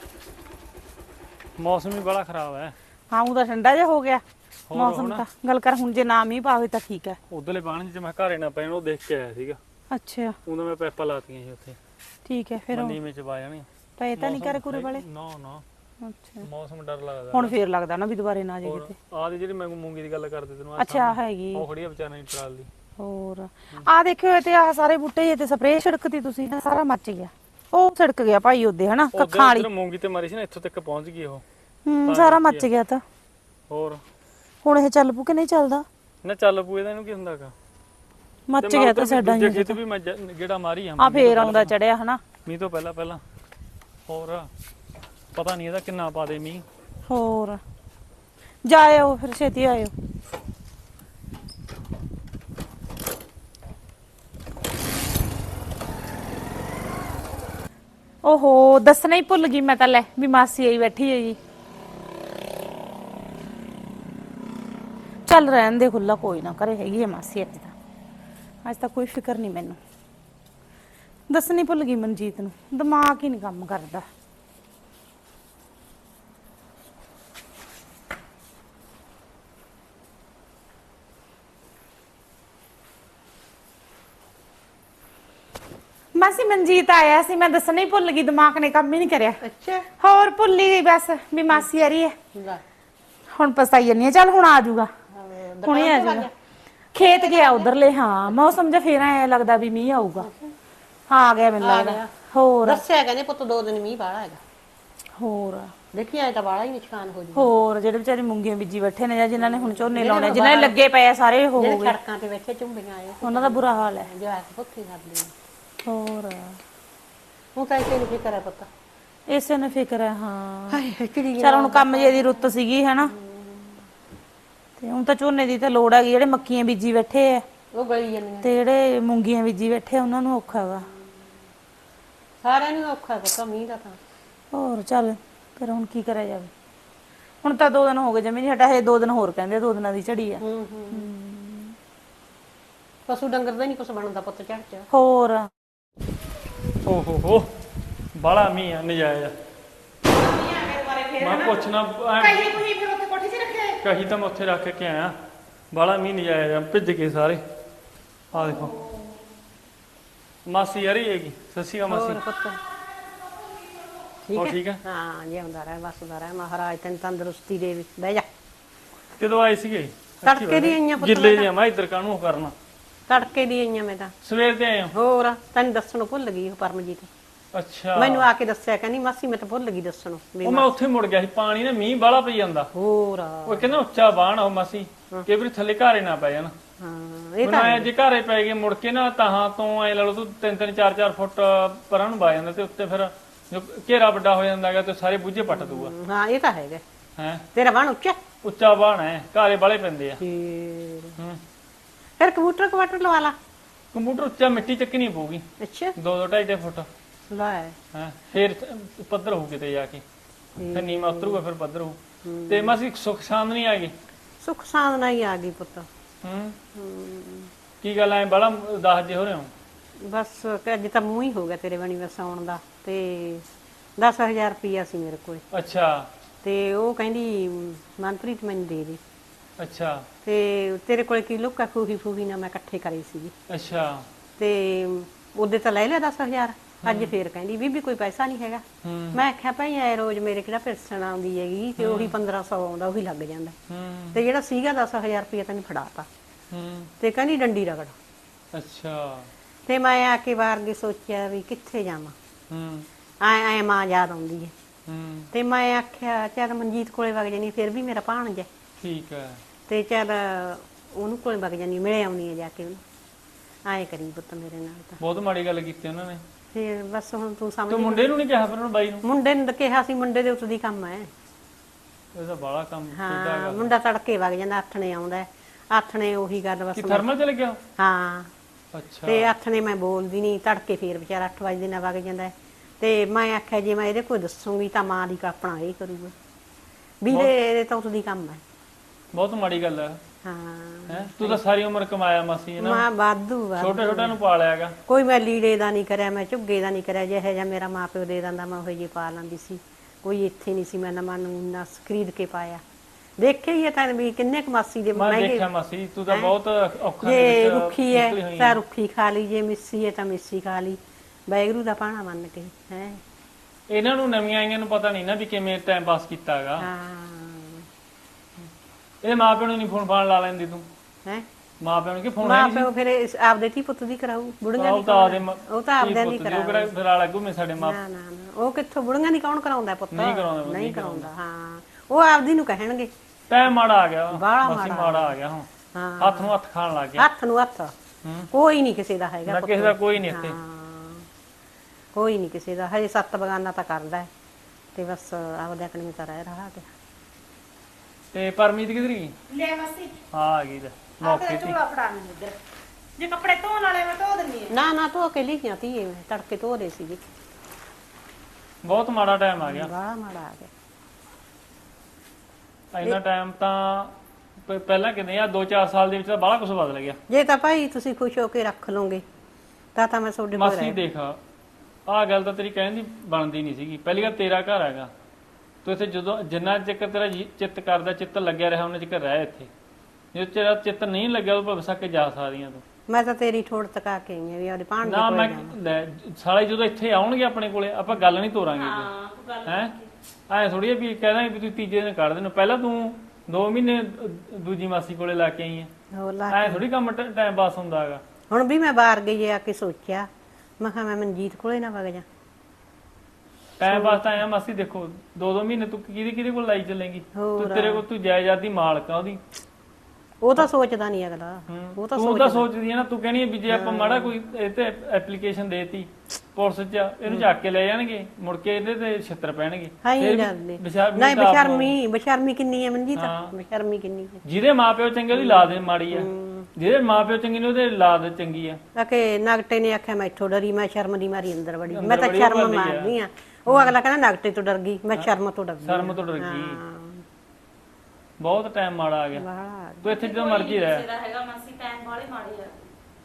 Speaker 1: ਮੌਸਮ ਵੀ ਬੜਾ ਖਰਾਬ ਹੈ।
Speaker 2: ਹਾਂ ਉਹ ਤਾਂ ਠੰਡਾ ਜਿਹਾ ਹੋ ਗਿਆ ਮੌਸਮ ਤਾਂ। ਗੱਲ ਕਰ ਹੁਣ ਜੇ ਨਾ ਮੀਂਹ ਪਾਵੇ ਤਾਂ ਠੀਕ ਹੈ।
Speaker 1: ਉਧਰਲੇ ਪਾਣੀ 'ਚ ਮੈਂ ਘਰੇ ਨਾ ਪੈਣ ਉਹ ਦੇਖ ਕੇ ਆਇਆ ਸੀਗਾ।
Speaker 2: ਅੱਛਾ
Speaker 1: ਉਹਨਾਂ ਮੈਂ ਪੈਪਾਂ ਲਾਤੀਆਂ ਸੀ ਉੱਥੇ।
Speaker 2: ਠੀਕ ਹੈ ਫਿਰ
Speaker 1: ਨੀਵੇਂ ਚ ਪਾ ਜਾਣੀ।
Speaker 2: ਪਏ ਤਾਂ ਨਹੀਂ ਘਰੇ ਕੁਰੇ ਵਾਲੇ?
Speaker 1: ਨਾ ਨਾ
Speaker 2: ਅੱਛਾ
Speaker 1: ਮੌਸਮ ਡਰ ਲੱਗਦਾ।
Speaker 2: ਹੁਣ ਫੇਰ ਲੱਗਦਾ ਨਾ ਵੀ ਦੁਬਾਰੇ ਨਾ ਜੇ
Speaker 1: ਹੋਰ
Speaker 2: ਕਿਤੇ।
Speaker 1: ਆਹ ਦੀ ਜਿਹੜੀ ਮੈਂ ਮੂੰਗੀ ਦੀ ਗੱਲ ਕਰਦੇ ਤੈਨੂੰ, ਆਹ
Speaker 2: ਅੱਛਾ ਹੈਗੀ।
Speaker 1: ਉਹ ਖੜੀ ਆ ਵਿਚਾਰੇ ਦੀ ਟਰਾਲ ਦੀ।
Speaker 2: ਹੋਰ ਆ ਦੇਖਿਓ ਤੇ ਆਹ ਸਾਰੇ ਬੂਟੇ ਜੇ ਤੇ ਸਪਰੇਅ ਛਿੜਕਤੀ ਤੁਸੀਂ, ਸਾਰਾ ਮੱਚ ਗਿਆ। ਉਹ ਛਿੜਕ ਗਿਆ ਭਾਈ ਉਹਦੇ ਹਨਾ
Speaker 1: ਉਧਰ
Speaker 2: ਕੱਖਾਂ ਵਾਲੀ।
Speaker 1: ਉਧਰ ਮੂੰਗੀ ਤੇ ਮਾਰੀ ਸੀ ਨਾ, ਇੱਥੋਂ ਤੱਕ ਪਹੁੰਚ ਗਈ ਉਹ।
Speaker 2: ਹੂੰ
Speaker 1: ਤਾਂ
Speaker 2: ਸਾਰਾ
Speaker 1: ਕਰਕੇ
Speaker 2: ਮੱਚ ਗਿਆ ਤਾਂ।
Speaker 1: ਹੋਰ
Speaker 2: ਹੁਣ ਇਹ ਚੱਲ ਪੂ ਕਿ ਨਹੀਂ ਚੱਲਦਾ?
Speaker 1: ਨਾ ਚੱਲ ਪੂ, ਇਹਦਾ ਇਹਨੂੰ ਕੀ ਹੁੰਦਾਗਾ।
Speaker 2: ਮੱਚ ਗਿਆ ਤਾਂ ਸਾਡਾ
Speaker 1: ਦੂਜੇ ਖੇਤ ਵੀ ਮੈਂ ਜ- ਗੇੜਾ ਮਾਰੀ ਆ
Speaker 2: ਆ ਫੇਰ ਆਉਂਦਾ ਚੜਿਆ ਹਨਾ
Speaker 1: ਮੀਂਹ ਤੋਂ ਪਹਿਲਾਂ ਪਹਿਲਾਂ। ਹੋਰ ਪਤਾ ਨਹੀਂ ਇਹਦਾ ਕਿੰਨਾ ਪਾ ਦੇ ਮੀਂਹ।
Speaker 2: ਹੋਰ ਜਾ ਆਇਓ ਫਿਰ, ਛੇਤੀ ਆਇਓ। ਓਹੋ ਦੱਸਣਾ ਹੀ ਭੁੱਲ ਗਈ ਮੈਂ ਤਾਂ, ਲੈ ਵੀ ਮਾਸੀ ਆਈ ਬੈਠੀ ਹੈ ਜੀ। ਚੱਲ ਰਹਿਣ ਦੇ ਖੁੱਲਾ, ਕੋਈ ਨਾ, ਘਰੇ ਹੈਗੀ ਹੈ ਮਾਸੀ ਅੱਜ ਤਾਂ। ਅੱਜ ਤਾਂ ਕੋਈ ਫਿਕਰ ਨਹੀਂ ਮੈਨੂੰ। ਦੱਸਣੀ ਭੁੱਲ ਗਈ ਮਨਜੀਤ ਨੂੰ, ਦਿਮਾਗ ਹੀ ਨਹੀਂ ਕੰਮ ਕਰਦਾ। ਮਾਸੀ ਮਨਜੀਤ ਆਇਆ ਸੀ, ਮੈਂ ਦੱਸਣਾ ਹੀ ਭੁੱਲ ਗਈ, ਦਿਮਾਗ ਨੇ ਕੰਮ ਹੀ ਨਹੀਂ ਕਰਿਆ।
Speaker 3: ਅੱਛਾ
Speaker 2: ਹੋਰ ਭੁੱਲ ਹੀ ਗਈ ਬਸ ਵੀ ਮਾਸੀ ਆ ਰਹੀ ਹੈ।
Speaker 3: ਲੈ
Speaker 2: ਹੁਣ ਪਛਤਾਈ ਜੰਨੀ ਆ। ਚੱਲ ਹੁਣ ਆ ਜਾਊਗਾ, ਹੁਣੇ ਆ ਜਾਊਗਾ। ਖੇਤ ਗਿਆ ਉਧਰਲੇ। ਹਾਂ ਮੌਸਮ ਜਿਹਾ ਫੇਰ ਐ ਲੱਗਦਾ ਵੀ ਮੀਂਹ ਆਊਗਾ। ਹਾਂ ਆ ਗਿਆ ਮੈਨੂੰ ਲੱਗਦਾ। ਹੋਰ
Speaker 3: ਦੱਸਿਆ ਕਹਿੰਦੇ ਪੁੱਤ ਦੋ ਦਿਨ ਮੀਂਹ ਬਾਹਲਾ ਹੈਗਾ।
Speaker 2: ਹੋਰ
Speaker 3: ਦੇਖੀ ਆਏ ਤਾਂ ਬਾਹਲਾ ਹੀ ਨੁਕਸਾਨ ਹੋ ਜੂ।
Speaker 2: ਹੋਰ ਜਿਹੜੇ ਵਿਚਾਰੇ ਮੂੰਗੀਆਂ ਬੀਜੀ ਬੈਠੇ ਨੇ ਜਾਂ ਜਿਨ੍ਹਾਂ ਨੇ ਹੁਣ ਝੋਨੇ ਲਾਉਣੇ, ਜਿਨ੍ਹਾਂ ਨੇ ਲੱਗੇ ਪਏ ਆ ਸਾਰੇ ਹੋ
Speaker 3: ਜਿਹੜੇ
Speaker 2: ਗਏ,
Speaker 3: ਸੜਕਾਂ ਤੇ ਬੈਠੇ ਝੁੰਬੀਆਂ ਆਏ
Speaker 2: ਉਹਨਾਂ ਦਾ ਬੁਰਾ ਹਾਲ ਹੈ।
Speaker 3: ਜਵਾਕ ਭੁੱਖੇ ਕਰਦੇ ਨੇ।
Speaker 2: ਹੋਰ
Speaker 3: ਉਹ ਤਾਂ ਇਸੇ ਨੂੰ ਫਿਕਰ ਹੈ ਪੁੱਤ।
Speaker 2: ਇਸੇ ਨੂੰ ਫਿਕਰ ਹੈ। ਹਾਂ
Speaker 3: ਹਾਏ ਕਿਹੜੀ
Speaker 2: ਚਲ ਹੁਣ ਕੰਮ ਜੇ ਦੀ ਰੁੱਤ ਸੀਗੀ ਹਨਾ, ਤੇ ਹੁਣ ਤਾਂ ਝੋਨੇ ਦੀ ਤਾਂ ਲੋੜ ਹੈਗੀ। ਜਿਹੜੇ ਮੱਕੀਆਂ ਬੀਜੀ ਬੈਠੇ ਆ
Speaker 3: ਉਹ ਗਲੀ ਜਾਂਦੀਆਂ,
Speaker 2: ਤੇ ਜਿਹੜੇ ਮੂੰਗੀਆਂ ਬੀਜੀ ਬੈਠੇ ਆ ਉਹਨਾਂ ਨੂੰ ਔਖਾ ਹੈਗਾ।
Speaker 3: ਸਾਰਿਆਂ ਨੂੰ ਔਖਾ ਪੁੱਤ ਮੀਂਹ ਦਾ ਤਾਂ।
Speaker 2: ਹੋਰ ਚੱਲ ਫਿਰ ਹੁਣ ਕੀ ਕਰਿਆ ਜਾਵੇ। ਹੁਣ ਤਾਂ ਦੋ ਦਿਨ ਹੋ ਗਏ ਜਮੀ ਨਹੀਂ ਹਟਾ, ਇਹ ਦੋ ਦਿਨ ਹੋਰ ਕਹਿੰਦੇ, ਦੋ ਦਿਨਾਂ ਦੀ ਝੜੀ ਆ।
Speaker 3: ਹੂੰ ਹੂੰ ਪਸ਼ੂ ਡੰਗਰ ਦਾ ਨਹੀਂ ਕੁਛ ਬਣਦਾ ਪੁੱਤ ਝੜ ਚ।
Speaker 2: ਹੋਰ
Speaker 1: ਓ ਹੋ ਹੋ ਬਾਲਾ ਮੀਂਹ ਆ ਨਜਾਇਜ਼। ਮੈਂ ਪੁੱਛਣਾ
Speaker 2: ਕਹੀ ਕੋਈ ਫਿਰ ਉੱਥੇ ਕੋਠੀ 'ਚ ਰੱਖਿਆ।
Speaker 1: ਕਹੀ ਤਾਂ ਮੈਂ ਉੱਥੇ ਰੱਖ ਕੇ ਆਇਆ। ਬਾਲਾ ਮੀਂਹ ਨਜਾਇਜ਼ ਆ, ਭਿੱਜ ਕੇ ਸਾਰੇ। ਆ ਦੇਖੋ ਮਾਸੀ ਆ ਰਹੀ ਹੈਗੀ। ਸਤਿ ਸ਼੍ਰੀ ਅਕਾਲ ਮਾਸੀ।
Speaker 3: ਹੋਰ ਪੁੱਤ
Speaker 1: ਹੋਰ
Speaker 3: ਠੀਕ
Speaker 1: ਠੀਕ
Speaker 3: ਹੈ?
Speaker 1: ਹੈ।
Speaker 3: ਹਾਂ ਜਿਉਂਦਾ ਰਹਿ ਵਸਦਾ ਰਹਿ ਮਹਾਰਾਜ ਤੈਨੂੰ ਤੰਦਰੁਸਤੀ ਦੇਵੇ। ਬਹਿ ਜਾ।
Speaker 1: ਕਦੋਂ ਆਏ ਸੀਗੇ?
Speaker 3: ਤੜਕੇ ਦੀ ਆਈਆਂ ਪੁੱਤ।
Speaker 1: ਗਿੱਲੇ ਜਿਹਾ ਮੈਂ ਇੱਧਰ ਕਾਹਨੂੰ ਕਰਨਾ।
Speaker 3: ਤੜਕੇ ਦੀ ਆਈਆਂ ਮੈਂ ਤਾਂ।
Speaker 1: ਸਵੇਰ ਤੇ ਆਏ ਹੋ?
Speaker 3: ਹੋਰ ਤੈਨੂੰ ਦੱਸਣੋਂ ਭੁੱਲ ਗਈ ਉਹ ਪਰਮਜੀਤ।
Speaker 1: ਅੱਛਾ
Speaker 3: ਮੈਨੂੰ ਆ ਕੇ ਦੱਸਿਆ ਕਹਿੰਦੀ ਮਾਸੀ ਮੈਂ ਤਾਂ ਭੁੱਲ ਗਈ ਦੱਸਣੋਂ ਵੀ
Speaker 1: ਉਹ ਮੈਂ ਉੱਥੇ ਮੁੜ ਗਿਆ ਸੀ, ਪਾਣੀ ਨਾ ਮੀਂਹ ਬਾਲਾ ਪਈ ਜਾਂਦਾ।
Speaker 3: ਹੋਰ
Speaker 1: ਉਹ ਕਹਿੰਦਾ ਉੱਚਾ ਬਾਣ ਆ ਮਾਸੀ, ਕਈ ਵਾਰੀ ਥੱਲੇ ਘਾਰੇ ਨਾ ਪੈ ਜਾਣ।
Speaker 3: ਹਾਂ ਇਹ
Speaker 1: ਹੁਣ ਐ ਜੇ ਘਾਰੇ ਪੈ ਗਏ ਮੁੜ ਕੇ ਨਾ ਤਾਹਾਂ ਤੋਂ ਐ ਲਾ ਲਓ ਤੂੰ ਤਿੰਨ ਤਿੰਨ ਚਾਰ ਚਾਰ ਫੁੱਟ ਪਰਾਂ ਨੂੰ ਵਾ ਜਾਂਦਾ, ਤੇ ਉੱਤੇ ਫਿਰ ਜੋ ਘੇਰਾ ਵੱਡਾ ਹੋ ਜਾਂਦਾ ਹੈਗਾ ਤੇ ਸਾਰੇ ਬੂਝੇ ਪੱਟ ਦੂਗਾ।
Speaker 3: ਹਾਂ ਇਹ ਤਾਂ ਹੈਗਾ।
Speaker 1: ਹੈ
Speaker 3: ਤੇਰਾ ਬਾਣ ਉੱਚਾ
Speaker 1: ਉੱਚਾ ਬਾਣ ਹੈ, ਘਾਰੇ ਬਾਲੇ ਪੈਂਦੇ ਆ।
Speaker 3: ਫੇਰ
Speaker 1: ਹੂੰ
Speaker 3: ਫਿਰ ਕੰਪਿਊਟਰ ਕਵਾਟਰ ਲਵਾ ਲਾ।
Speaker 1: ਕੰਪਿਊਟਰ ਉੱਚਾ ਮਿੱਟੀ ਚੱਕਣੀ ਪਊਗੀ,
Speaker 3: ਅੱਛਾ
Speaker 1: ਦੋ ਦੋ ਢਾਈ ਢਾਈ ਫੁੱਟ।
Speaker 3: ਲੈ
Speaker 1: ਹੈ ਫਿਰ ਪੱਧਰ ਹੋਊ ਕਿਤੇ ਜਾ ਕੇ, ਫਿਰ ਨੀਵਾਂ ਉਤਰੂਗਾ ਫਿਰ ਪੱਧਰ ਹੋਊ। ਤੇ ਮਾਸੀ ਸੁੱਖ ਸ਼ਾਂਤ ਨਹੀਂ ਆ ਗਈ।
Speaker 3: ਸੁੱਖ ਸਾਂਦਨਾ ਹੀ ਆ ਗਈ ਪੁੱਤ।
Speaker 1: ਹੂੰ ਕੀ ਗੱਲ ਐ ਬਾਲਾ ਦੱਸ ਜੇ ਹੋ ਰਹੇ ਹੋ?
Speaker 3: ਬਸ ਅੱਜ ਤਾਂ ਮੂੰਹ ਹੀ ਹੋ ਗਿਆ ਤੇਰੇ ਬਣੀ ਬਸ ਆਉਣ ਦਾ। ਤੇ ਦਸ ਹਜ਼ਾਰ ਰੁਪਈਆ ਸੀ ਮੇਰੇ ਕੋਲ,
Speaker 1: ਅੱਛਾ
Speaker 3: ਤੇ ਉਹ ਕਹਿੰਦੀ ਮਨਪ੍ਰੀਤ ਮੈਨੂੰ ਦੇ ਦੇ।
Speaker 1: ਅੱਛਾ
Speaker 3: ਤੇ ਤੇਰੇ ਕੋਲ ਕੀ ਲੁੱਕਾ ਖੂਹੀ ਫੂਹੀ ਨਾ ਮੈਂ ਇਕੱਠੇ ਕਰੀ ਸੀਗੀ।
Speaker 1: ਅੱਛਾ
Speaker 3: ਤੇ ਉਹਦੇ ਤਾਂ ਲੈ ਲਿਆ ਦਸ ਹਜ਼ਾਰ। ਅੱਜ ਫੇਰ ਕਹਿੰਦੀ ਬੀਬੀ ਕੋਈ ਪੈਸਾ ਨਹੀਂ ਹੈਗਾ।
Speaker 1: ਹੂੰ
Speaker 3: ਮੈਂ ਆਖਿਆ ਭਾਈ ਐ ਰੋਜ਼ ਮੇਰੇ ਕਿਹੜਾ ਪੈਸਣ ਆਉਂਦੀ ਹੈਗੀ, ਤੇ ਉਹੀ ਪੰਦਰਾਂ ਸੌ ਆਉਂਦਾ ਉਹੀ ਲੱਗ ਜਾਂਦਾ।
Speaker 1: ਹੂੰ
Speaker 3: ਤੇ ਜਿਹੜਾ ਸੀਗਾ ਦਸ ਹਜ਼ਾਰ ਰੁਪਈਆ ਤੈਨੂੰ ਫੜਾਤਾ।
Speaker 1: ਹੂੰ
Speaker 3: ਤੇ ਕਹਿੰਦੀ ਡੰਡੀ ਰਗੜ।
Speaker 1: ਅੱਛਾ
Speaker 3: ਤੇ ਮੈਂ ਆ ਕੇ ਬਾਹਰ ਕੇ ਸੋਚਿਆ ਵੀ ਕਿੱਥੇ ਜਾਵਾਂ,
Speaker 1: ਹੂੰ
Speaker 3: ਐ ਐ ਮਾਂ ਯਾਦ ਆਉਂਦੀ ਹੈ।
Speaker 1: ਹੂੰ
Speaker 3: ਤੇ ਮੈਂ ਆਖਿਆ ਚੱਲ ਮਨਜੀਤ ਕੋਲੇ ਵਗ ਜਾਨੀ, ਫਿਰ ਵੀ ਮੇਰਾ ਭਾਣਜਾ ਹੈ।
Speaker 1: ਠੀਕ ਹੈ।
Speaker 3: ਤੇ ਚੱਲ ਉਹਨੂੰ ਕੋਲੇ ਵਗ ਜਾਨੀ, ਮਿਲੇ ਆਉਣੀ ਹੈ ਜਾ ਕੇ ਉਹਨੂੰ। ਐਂ ਕਰੀ ਪੁੱਤ ਮੇਰੇ ਨਾਲ ਤਾਂ।
Speaker 1: ਬਹੁਤ ਮਾੜੀ ਗੱਲ ਕੀਤੀ ਉਹਨਾਂ ਨੇ।
Speaker 3: ਫਿਰ ਬਸ ਹੁਣ ਤੂੰ ਸਮਝ।
Speaker 1: ਤੂੰ ਮੁੰਡੇ ਨੂੰ ਨਹੀਂ ਕਿਹਾ ਫਿਰ ਉਹਨੂੰ ਬਾਈ ਨੂੰ?
Speaker 3: ਮੁੰਡੇ ਨੂੰ ਤਾਂ ਕਿਹਾ ਸੀ, ਮੁੰਡੇ ਦੇ ਉੱਤੇ ਦੀ ਕੰਮ ਹੈ।
Speaker 1: ਇਹਦਾ ਬਾਲਾ ਕੰਮ ਸਿੱਧਾ
Speaker 3: ਹਾਂ
Speaker 1: ਗੱਲ।
Speaker 3: ਮੁੰਡਾ ਤੜਕੇ ਵਗ ਜਾਂਦਾ, ਆਥਣੇ ਆਉਂਦਾ ਹੈ। ਆਥਣੇ ਉਹੀ ਗੱਲ ਬਸ।
Speaker 1: ਕੀ ਥਰਮਲ ਚਲ ਗਿਆ?
Speaker 3: ਹਾਂ
Speaker 1: ਅੱਛਾ
Speaker 3: ਤੇ ਆਥਣੇ ਮੈਂ ਬੋਲਦੀ ਨਹੀਂ, ਤੜਕੇ ਫੇਰ ਵਿਚਾਰਾ ਅੱਠ ਵਜੇ ਨਾਲ ਵਗ ਜਾਂਦਾ ਹੈ। ਤੇ ਮੈਂ ਆਖਿਆ ਜੇ ਮੈਂ ਇਹਦੇ ਕੋਈ ਦੱਸੂਗੀ ਤਾਂ ਮਾਂ ਦੀ ਕਾਪਣਾ ਇਹ ਕਰੂਗਾ ਵੀ ਇਹਦੇ ਤਾਂ ਉਸ ਦੀ ਕੰਮ ਹੈ।
Speaker 1: ਬਹੁਤ ਮਾੜੀ ਗੱਲ ਹੈ।
Speaker 3: ਹਾਂ
Speaker 1: ਹੈ ਤੂੰ ਤਾਂ ਸਾਰੀ ਉਮਰ ਕਮਾਇਆ ਮਾਸੀ ਨਾ,
Speaker 3: ਮਾਂ ਵਾਧੂ ਵਾ।
Speaker 1: ਛੋਟੇ ਛੋਟਿਆਂ ਨੂੰ ਪਾਲਿਆ ਹੈਗਾ।
Speaker 3: ਕੋਈ ਮੈਂ ਲੀੜੇ ਦਾ ਨਹੀਂ ਕਰਿਆ, ਮੈਂ ਝੁੱਗੇ ਦਾ ਨਹੀਂ ਕਰਿਆ। ਜਿਹੋ ਜਿਹਾ ਮੇਰਾ ਮਾਂ ਪਿਓ ਦੇ ਦਿੰਦਾ ਮੈਂ ਉਹੋ ਜਿਹੀ ਪਾ ਲੈਂਦੀ ਸੀ। ਕੋਈ ਇੱਥੇ ਨਹੀਂ ਸੀ ਮੈਂ ਨਵਾਂ ਨੂਨਾ ਖਰੀਦ ਕੇ ਪਾਇਆ। ਦੇਖਿਆ ਹੀ ਹੈ ਤਾਂ ਵੀ ਕਿੰਨੇ ਕੁ ਮਾਸੀ ਦੇ
Speaker 1: ਮੈਂ
Speaker 3: ਮਹਿੰਗੇ।
Speaker 1: ਦੇਖਿਆ ਮਾਸੀ ਤੂੰ ਤਾਂ ਬਹੁਤ ਔਖਾ ਦੇ
Speaker 3: ਜੇ
Speaker 1: ਵਿੱਚ
Speaker 3: ਰੁੱਖੀ
Speaker 1: ਨਿਕਲੀ
Speaker 3: ਹੈ
Speaker 1: ਹੋਈ
Speaker 3: ਤਾਂ ਰੁੱਖੀ ਖਾ ਲਈ, ਜੇ ਮਿੱਸੀ ਹੈ ਤਾਂ ਮਿੱਸੀ ਖਾ ਲਈ, ਵਾਹਿਗੁਰੂ ਦਾ ਪਾਣਾ ਮੰਨ ਕੇ ਹੈ।
Speaker 1: ਇਹਨਾਂ ਨੂੰ ਨਵੀਆਂ ਆਈਆਂ ਨੂੰ ਪਤਾ ਨਹੀਂ ਨਾ ਵੀ ਕਿਵੇਂ ਟਾਈਮ ਪਾਸ ਕੀਤਾ ਹੈਗਾ।
Speaker 3: ਹਾਂ
Speaker 1: ਇਹਦੇ ਮਾਪਿਆਂ ਨੂੰ ਨਹੀਂ ਫੋਨ ਫਾਨ ਲਾ ਲੈਂਦੀ ਤੂੰ?
Speaker 3: ਹੈ
Speaker 1: ਮਾਪਿਆਂ ਨੂੰ ਕਿ ਫੋਨ
Speaker 3: ਮਾਂ ਪਿਓ ਫਿਰ ਇਸ- ਆਪਦੇ ਧੀ ਪੁੱਤ ਦੀ ਕਰਾਊ, ਬੁੜੀਆਂ
Speaker 1: ਉਹ
Speaker 3: ਦੀ
Speaker 1: ਤਾਂ ਆਦੇ
Speaker 3: ਉਹ ਤਾਂ ਆਪਦਿਆਂ ਦੀ ਕਰਾਊ।
Speaker 1: ਫਿਰ ਆਲਾ ਗੁੰਮੇ ਸਾਡੇ ਮਾਪ
Speaker 3: ਨਾ ਨਾ ਨਾ ਉਹ ਕਿੱਥੋਂ, ਬੁੜੀਆਂ ਦੀ ਕੌਣ ਕਰਾਉਂਦਾ ਪੁੱਤ?
Speaker 1: ਨਹੀਂ ਕਰਾਉਂਦਾ,
Speaker 3: ਨਹੀਂ ਕਰਾਉਂਦਾ। ਹਾਂ ਉਹ ਆਪਦੀ ਨੂੰ ਕਹਿਣਗੇ।
Speaker 1: ਟਾਈਮ ਮਾੜਾ ਆ ਗਿਆ,
Speaker 3: ਬਾਹਲਾ
Speaker 1: ਬਸ ਹੀ ਮਾੜਾ ਆ ਗਿਆ ਹੁਣ।
Speaker 3: ਹਾਂ
Speaker 1: ਹੱਥ ਨੂੰ ਹੱਥ ਖਾਣ ਲੱਗ ਗਿਆ।
Speaker 3: ਹੱਥ ਨੂੰ ਹੱਥ
Speaker 1: ਹੂੰ।
Speaker 3: ਕੋਈ ਨਹੀਂ ਕਿਸੇ ਦਾ ਹੈਗਾ
Speaker 1: ਨਾ
Speaker 3: ਪੁੱਤ।
Speaker 1: ਕਿਸੇ ਦਾ ਕੋਈ ਨਹੀਂ ਇੱਥੇ।
Speaker 3: ਹਾਂ ਕੋਈ ਨਹੀਂ ਕਿਸੇ ਦਾ, ਹਜੇ ਸੱਤ ਬਗਾਨਾ ਤਾਂ ਕਰਦਾ ਹੈ ਤੇ ਬਸ ਆਪਦੇ ਕਣੀ ਤਾਂ ਰਹਿ ਰਹਾ ਤੇ।
Speaker 1: ਤੇ ਪਰਮੀਤ ਕਿਧਰ ਗਈ?
Speaker 2: ਲੈ ਮਾਸੀ
Speaker 1: ਹਾਂ ਆ ਗਈ ਤੇ ਮੌਕੇ ਤੇ।
Speaker 2: ਝੋਲਾ ਫੜਾ ਮੈਨੂੰ ਇੱਧਰ, ਜੇ ਕੱਪੜੇ ਧੋਣ ਵਾਲੇ ਮੈਂ ਧੋ ਦਿੰਨੀ ਆ।
Speaker 3: ਨਾ ਨਾ ਧੋ ਕੇ ਲਿਖੀਆਂ ਧੀਏ, ਮੈਂ ਤੜਕੇ ਧੋ ਦੇ ਸੀਗੀ।
Speaker 1: ਬਹੁਤ ਮਾੜਾ ਟਾਈਮ ਆ ਗਿਆ।
Speaker 3: ਬਾਹਲਾ ਮਾੜਾ ਆ ਗਿਆ।
Speaker 1: ਇੰਨਾ ਟਾਈਮ ਤਾਂ ਪ- ਪਹਿਲਾਂ ਕਿਤੇ ਆ ਦੋ ਚਾਰ ਸਾਲ ਦੇ ਵਿੱਚ ਤਾਂ ਬਾਹਲਾ ਕੁਝ ਬਦਲ ਗਿਆ।
Speaker 3: ਜੇ ਤਾਂ ਭਾਈ ਤੁਸੀਂ ਖੁਸ਼ ਹੋ ਕੇ ਰੱਖ ਲਓਗੇ ਤਾਂ ਤਾਂ ਮੈਂ ਤੁਹਾਡੇ ਕੋਲ
Speaker 1: ਮਾਸੀ
Speaker 3: ਰਹਿ।
Speaker 1: ਦੇਖ ਆਹ ਗੱਲ ਤਾਂ ਤੇਰੀ ਕਹਿਣ ਦੀ ਬਣਦੀ ਨਹੀਂ ਸੀਗੀ। ਪਹਿਲੀ ਗੱਲ ਤੇਰਾ ਘਰ ਹੈਗਾ, ਤੂੰ ਇੱਥੇ ਜਦੋਂ ਜਿੰਨਾ ਚਿਰ ਤੇਰਾ ਜੀ- ਚਿੱਤ ਕਰਦਾ, ਚਿੱਤ ਲੱਗਿਆ ਰਿਹਾ ਉਹਨਾਂ ਚਿਰ ਰਹਿ ਇੱਥੇ। ਜੇ ਤੇਰਾ ਚਿੱਤ ਨਹੀਂ ਲੱਗਿਆ ਉਹ ਭਵਸਾ ਕੇ ਜਾ ਸਕਦੀਆਂ ਤੂੰ।
Speaker 3: ਮੈਂ ਤਾਂ ਤੇਰੀ ਠੋੜ ਤਕਾ ਕੇ ਆਈ ਆ ਵੀ ਉਹਦੇ ਭਾਣ ਦੇ
Speaker 1: ਨਾ
Speaker 3: ਕੋਲ
Speaker 1: ਮੈਂ
Speaker 3: ਜਾਣਾ।
Speaker 1: ਲੈ, ਸਾਲੇ ਜਦੋਂ ਇੱਥੇ ਆਉਣਗੇ ਆਪਣੇ ਕੋਲੇ ਆਪਾਂ ਗੱਲ ਨਹੀਂ ਤੋਰਾਂਗੇ। ਹੈ ਐ ਥੋੜੀ ਵੀ ਕਹਿਣਾ ਵੀ ਤੂੰ ਤੀਜੇ ਦਿਨ ਕੱਢ ਦੇਣਾ। ਪਹਿਲਾਂ ਤੂੰ ਦੋ ਮਹੀਨੇ ਅ- ਦੂਜੀ ਮਾਸੀ ਕੋਲੇ ਲਾ ਕੇ ਆਈ ਆ।
Speaker 3: ਹੋਰ ਲਾ
Speaker 1: ਐ ਥੋੜੀ ਕੰਮ ਟਾਈਮ ਪਾਸ ਹੁੰਦਾ ਹੈਗਾ।
Speaker 3: ਹੁਣ ਵੀ ਮੈਂ ਬਾਹਰ ਗਈ ਆ ਕੇ ਸੋਚਿਆ, ਮੈਂ ਕਿਹਾ ਮੈਂ ਮਨਜੀਤ ਕੋਲੇ ਨਾ ਵਗ ਜਾ।
Speaker 1: ਟਾਈਮ ਪਾਸ ਤਾਂ ਆਇਆ ਮਾਸੀ। ਦੇਖੋ ਦੋ ਦੋ ਮਹੀਨੇ ਤੂੰ ਕਿਹਦੇ ਕਿਹਦੇ ਕੋਲ ਲਾਈ ਚੱਲੇਂਗੀ? ਤੂੰ
Speaker 3: ਹੋਰ।
Speaker 1: ਤੇਰੇ ਕੋਲ ਤੂੰ ਜਾਇਦਾਦ ਦੀ ਮਾਲਕ ਆ ਉਹਦੀ।
Speaker 3: ਉਹ ਤਾਂ ਸੋਚਦਾ ਨਹੀਂ ਅਗਲਾ, ਉਹ ਤਾਂ
Speaker 1: ਤੂੰ ਤਾਂ ਸੋਚਦੀ ਆ ਨਾ, ਤੂੰ ਕਹਿਣੀ ਵੀ ਜੇ ਆਪਾਂ ਮਾੜਾ ਕੋਈ ਇਹ ਤੇ ਐਪਲੀਕੇਸ਼ਨ ਦੇਤੀ ਪੁਲਿਸ ਚ, ਇਹਨੂੰ ਚੱਕ ਕੇ ਲੈ ਜਾਣਗੇ, ਮੁੜ ਕੇ ਇਹਦੇ ਤੇ ਛਿੱਤਰ ਪੈਣਗੇ।
Speaker 3: ਹਾਈ
Speaker 1: ਫਿਰ
Speaker 3: ਜਾਂਦੇ
Speaker 1: ਬਸ਼ਰਮੀ
Speaker 3: ਨਹੀਂ।
Speaker 1: ਤਾਂ ਆਪ ਨੂੰ-
Speaker 3: ਬਸ਼ਰਮੀ ਬਸ਼ਰਮੀ ਕਿੰਨੀ ਹੈ ਮਨਜੀਤ? ਬਸ਼ਰਮੀ ਕਿੰਨੀ ਹੈ?
Speaker 1: ਜਿਹਦੇ ਮਾਪਿਓ ਚੰਗੇ ਉਹਦੀ ਲਾਦ ਮਾੜੀ ਆ, ਜਿਹਦੇ ਮਾਪਿਓ ਚੰਗੇ ਨੇ ਉਹਦੇ ਲਾਦ ਚੰਗੀ ਆ।
Speaker 3: ਆ ਕਿ ਨਗਟੇ ਨੇ ਆਖਿਆ ਮੈਂ ਇੱਥੋਂ ਡਰੀ, ਮੈਂ ਸ਼ਰਮ ਦੀ ਮਾਰੀ ਅੰਦਰ ਵੜੀ।
Speaker 1: ਅੰਦਰ
Speaker 3: ਮੈਂ ਤਾਂ
Speaker 1: ਵੜੀ ਉਹ
Speaker 3: ਸ਼ਰਮ
Speaker 1: ਗੱਲ ਹੀ ਆ।
Speaker 3: ਮਾਰਦੀ ਆ। ਉਹ ਅਗਲਾ ਕਹਿੰਦਾ ਨਗਟੇ ਤੋਂ ਡਰ ਗਈ, ਮੈਂ ਸ਼ਰਮ ਤੋਂ ਡਰ ਗਈ।
Speaker 1: ਸ਼ਰਮ ਤੋਂ ਡਰ ਗਈ।
Speaker 3: ਹਾਂ
Speaker 1: ਬਹੁਤ ਟਾਈਮ ਮਾੜਾ ਆ ਗਿਆ।
Speaker 3: ਬਾਹਲਾ।
Speaker 1: ਤੂੰ ਇੱਥੇ ਜਦੋਂ ਮਰਜ਼ੀ ਰਹਿ।
Speaker 2: ਤੇਰਾ ਹੈਗਾ ਮਾਸੀ ਟਾਈਮ ਵਾਲੇ ਮਾੜੇ ਆ।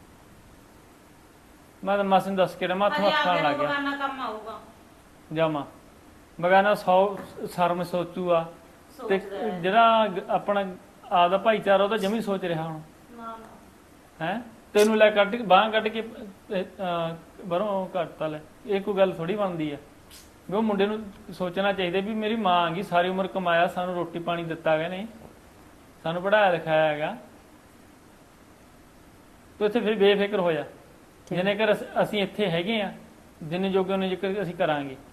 Speaker 1: ਮੈਂ ਤਾਂ ਮਾਸੀ ਨੂੰ ਦੱਸ ਕੇ ਮੈਂ ਹੱਥ ਹੱਥ ਖਾਣ ਲੱਗ ਗਿਆ।
Speaker 2: ਬਗਾਨਾ ਕੰਮ ਆਊਗਾ।
Speaker 1: ਜਾਮਾ ਬਗਾਨਾ ਸੌ ਸ਼ਰਮ ਸੋਚੂਗਾ ਤੇ ਜਿਹੜਾ ਗ- ਆਪਣਾ ਆਪਦਾ ਭਾਈਚਾਰਾ ਉਹ ਤਾਂ ਜਮੀ ਸੋਚ ਰਿਹਾ ਹੁਣ।
Speaker 2: ਨਾ ਨਾ
Speaker 1: ਹੈ ਤੈਨੂੰ ਲੈ ਕੱਢ ਕੇ ਬਾਹਾਂ ਕੱਢ ਕੇ ਅਹ, ਬਾਹਰੋਂ ਕੱਟਤਾ ਲੈ। ਇਹ ਕੋਈ ਗੱਲ ਥੋੜੀ ਬਣਦੀ ਆ ਵੀ ਉਹ ਮੁੰਡੇ ਨੂੰ ਸੋਚਣਾ ਚਾਹੀਦਾ ਵੀ ਮੇਰੀ ਮਾਂ ਆਂਗੀ, ਸਾਰੀ ਉਮਰ ਕਮਾਇਆ, ਸਾਨੂੰ ਰੋਟੀ ਪਾਣੀ ਦਿੱਤਾ ਗਿਆ ਨੇ, ਸਾਨੂੰ ਪੜਾਇਆ ਲਿਖਾਇਆ ਹੈਗਾ। ਤੂੰ ਇੱਥੇ ਫਿਰ ਬੇਫਿਕਰ ਹੋ ਜਾ। ਜਿੰਨੇ ਕਰ ਅਸੀਂ ਇੱਥੇ ਹੈਗੇ ਆ, ਜਿੰਨੇ ਜੋਗੇ ਉਹਨੇ ਜ਼ਿਕਰ ਅਸੀਂ ਕਰਾਂਗੇ।